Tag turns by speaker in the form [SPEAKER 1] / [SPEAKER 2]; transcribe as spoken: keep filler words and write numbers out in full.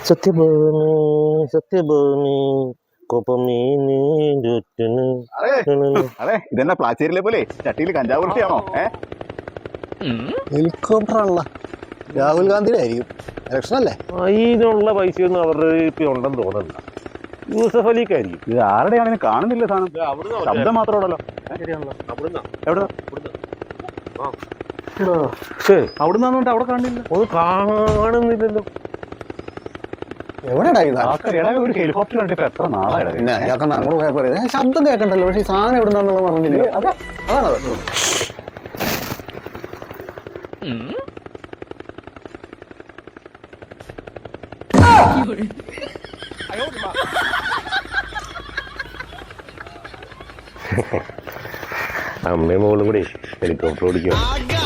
[SPEAKER 1] സത്യഭൂമി സത്യഭൂമി കൊപ്പമീനി
[SPEAKER 2] അതെ ഇതെന്നാ പ്ലാച്ചേരിലെ പോലെ ചട്ടിയിൽ കഞ്ചാവ് വൃത്തിയാണോ?
[SPEAKER 3] ഹെലികോപ്റ്റർ ആണല്ലോ, രാഹുൽ ഗാന്ധിയുടെ ആയിരിക്കും. ഇലക്ഷൻ അല്ലേ?
[SPEAKER 1] അതിനുള്ള പൈസയൊന്നും അവരുടെ ഇപ്പൊ ഉണ്ടെന്ന് തോന്നുന്നില്ല. യൂസഫ് അലിക്കായിരിക്കും.
[SPEAKER 2] ഇത് ആരുടെയാണെന്ന് കാണുന്നില്ല സാധനം, ശബ്ദം മാത്രമുള്ളല്ലോ. എവിടെ
[SPEAKER 1] അവിടെ നിന്നിട്ട് അവിടെ കാണില്ല, ഒന്ന് കാണുന്നില്ലല്ലോ.
[SPEAKER 3] എവിടെയാ
[SPEAKER 2] ഒരു ഹെലികോപ്റ്റർ കണ്ടിട്ട് എത്ര നാളായി?
[SPEAKER 3] ശബ്ദം കേൾക്കണ്ടല്ലോ, പക്ഷെ ഈ സാധനം എവിടെ നിന്നാന്നുള്ളത് പറഞ്ഞില്ല. അതാണത്.
[SPEAKER 1] അമ്മയും മോളും കൂടി ഹെലികോപ്റ്റർ ഓടിക്കും.